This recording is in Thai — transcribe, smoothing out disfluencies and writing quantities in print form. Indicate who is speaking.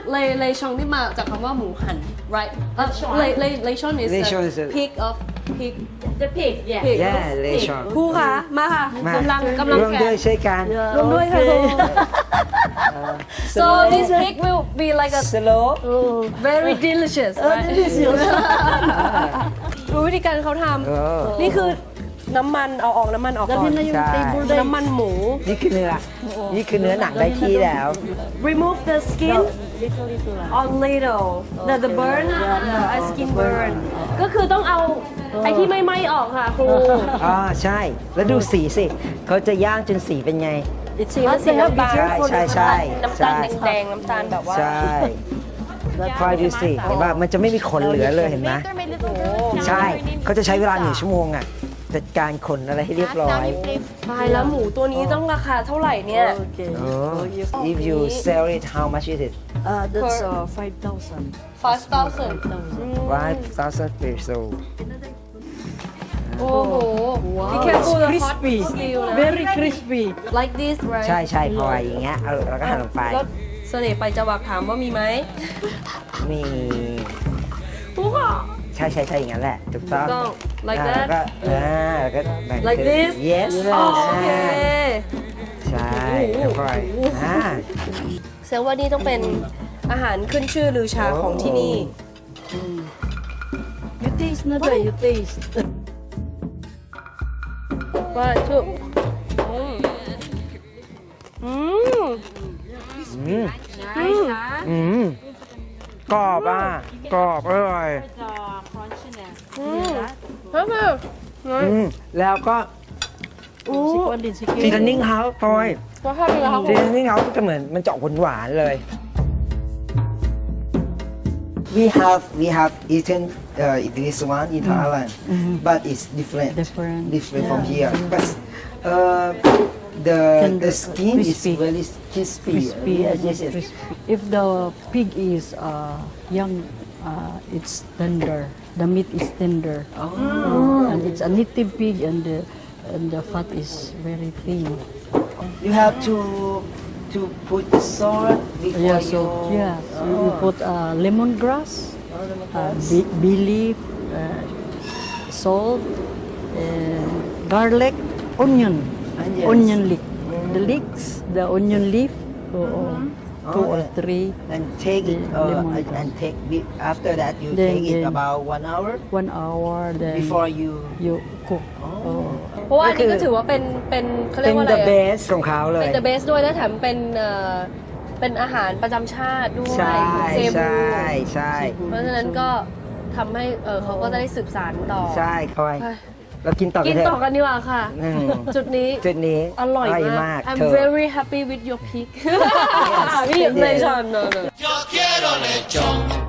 Speaker 1: เลชองที่มาจากคำว่าหมูหัน rightเลชอน is the pig of pig
Speaker 2: the pig yeah
Speaker 3: yeah เลชอน
Speaker 1: ครูคะมาค่ะ
Speaker 3: มาก
Speaker 1: ำลัง
Speaker 3: ร่วม
Speaker 1: แข่
Speaker 3: ด้วยช่วยกัน
Speaker 1: รวมด้วยค่ะครู so this pig will be like a
Speaker 3: slow
Speaker 1: very delicious right ดูวิธีการเขาทำนี่คือน้ำมันเอาออกน้ำมันออกก่อน
Speaker 3: ใช่
Speaker 1: น้ำมันหมู
Speaker 3: นี่คือเนื้อหนังได้ที่แล้ว
Speaker 1: remove the skin on little the burn the skin burn ก็คือต้องเอาไอ้ที่ไม่ไหม้ออกค่ะครู
Speaker 3: ใช่ แล้วดูสีสิ เขาจะย่างจนสีเป็นไง
Speaker 1: สีมันสีน้ำตาล
Speaker 3: ใช่
Speaker 1: น้ำตาลแดงๆน้ำตาลแบบว่า
Speaker 3: ใช่คอยดูสิเห็นป่ะมันจะไม่มีขนเหลือเลยเห็นไหมใช่ เขาจะใช้เวลา1 ชั่วโมงอ่ะจัดการขนอะไรให้เรียบร้อย
Speaker 1: ตายแล้วหมูตัวนี้ต้องราคาเท่าไหร่เนี่ย
Speaker 3: if you sell it how much is it
Speaker 2: that's 5,000
Speaker 1: 5,000
Speaker 3: 5,000 peso
Speaker 1: โอ้โห be careful the hot
Speaker 2: crispy
Speaker 1: steel นะ
Speaker 2: very crispy
Speaker 1: like this right
Speaker 3: ใช่พออย่างเงี้ยเราก็หั่นลงไป
Speaker 1: แล้วเสน่ห์ไปจะวักถามว่ามีไหม
Speaker 3: มี
Speaker 1: ครูค่ะ
Speaker 3: ใช่อย่างนั้นแหละถูกต้อง
Speaker 1: like
Speaker 3: แล้ว
Speaker 1: that
Speaker 3: ก็แล้วก็แบ่ง
Speaker 1: like this
Speaker 3: yes
Speaker 1: โอเค
Speaker 3: ใช่ค่อย
Speaker 1: เซลว่านี่ต้องเป็นอาหารขึ้นชื่อลือชาของที่นี่
Speaker 2: you taste na tayo you taste
Speaker 1: ว่าชุบ
Speaker 3: กรอบกรอบอร่อยแล้วก็ซีซันนิ่งเฮาส์ทอย
Speaker 1: ว่าถ้าเป็นเรา
Speaker 3: ซีซันนิ่งเฮาส์จะเหมือนมันจะออกหวานๆเลย we have eaten this one in Thailand but it's different from here but the skin is very crispy yes
Speaker 2: if the pig is young it's tender the meat is tender and it's a native pig and the fat is very thin
Speaker 3: you have to put the salt before
Speaker 2: so you put lemongrass bay leaf salt garlic onion leek the onion leaf 2 or 3
Speaker 3: and take it and take after that you take it about 1 hour
Speaker 2: 1 hour then
Speaker 3: before you
Speaker 2: cook
Speaker 1: เพราะว่าอันนี้ก็ถือว่าเป็นเขาเรียกว่าอะไร
Speaker 3: the best ของเขาเลย
Speaker 1: เป็น the best ด้วยและแถมเป็นอาหารประจำชาติด้วย
Speaker 3: ใช่
Speaker 1: เซบู
Speaker 3: ใช่
Speaker 1: เพราะฉะนั้นก็ทำให้เขาก็จะได้สืบสานต่อ
Speaker 3: ใช่คอยเรากินต่อกั
Speaker 1: กิ
Speaker 3: น
Speaker 1: น
Speaker 3: เถ
Speaker 1: ต่อ
Speaker 3: อะ
Speaker 1: กันดีกว่าค่ะ จุดนี้อร่อยมาก I'm very happy with your pig พี่เลยชอน
Speaker 4: Yo quiero lechón.